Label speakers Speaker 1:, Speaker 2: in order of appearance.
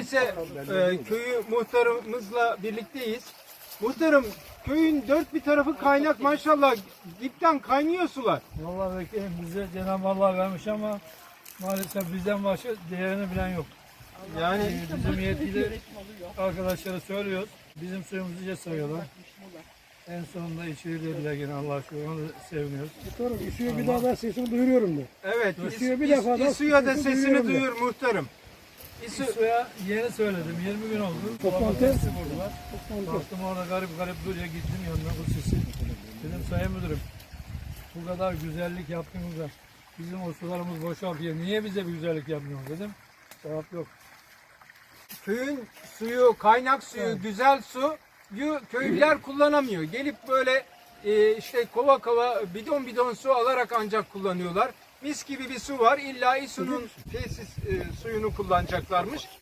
Speaker 1: Neyse köyü muhtarımızla birlikteyiz. Muhtarım, köyün dört bir tarafı kaynak maşallah, dipten kaynıyor sular.
Speaker 2: Vallahi bekleyin, bize Cenab-ı Allah vermiş ama maalesef bizden başka değerini bilen yok.
Speaker 1: Yani
Speaker 2: Bizim yetkili arkadaşlara söylüyoruz. Bizim suyumuzu sayıyorlar. En sonunda içeri dediler gene, Allah'a şükür, onu da seviniyoruz.
Speaker 3: Muhtarım, İSÜ'ye bir daha da sesini duyuruyorum da.
Speaker 1: evet,
Speaker 3: İSÜ'ye bir defa da
Speaker 1: İSÜ'ye da
Speaker 3: sesini
Speaker 1: sesini
Speaker 3: duyuyorum
Speaker 1: duyur muhtarım.
Speaker 2: Suya yeni söyledim, 20 gün oldu.
Speaker 3: Toplantı.
Speaker 2: Sesi vurdular. Baktım orada garip garip duruyor, gittim yanına bu sesi. Dedim sayın müdürüm, bu kadar güzellik yaptığınızda bizim o sularımız boşaltıyor, niye bize bir güzellik yapmıyorsunuz dedim. Cevap yok.
Speaker 1: Köyün suyu, kaynak suyu, güzel suyu köylüler kullanamıyor. Gelip böyle işte kova kova, bidon bidon su alarak ancak kullanıyorlar. Mis gibi bir su var. İlla İSÜ'nün tesis suyunu kullanacaklarmış.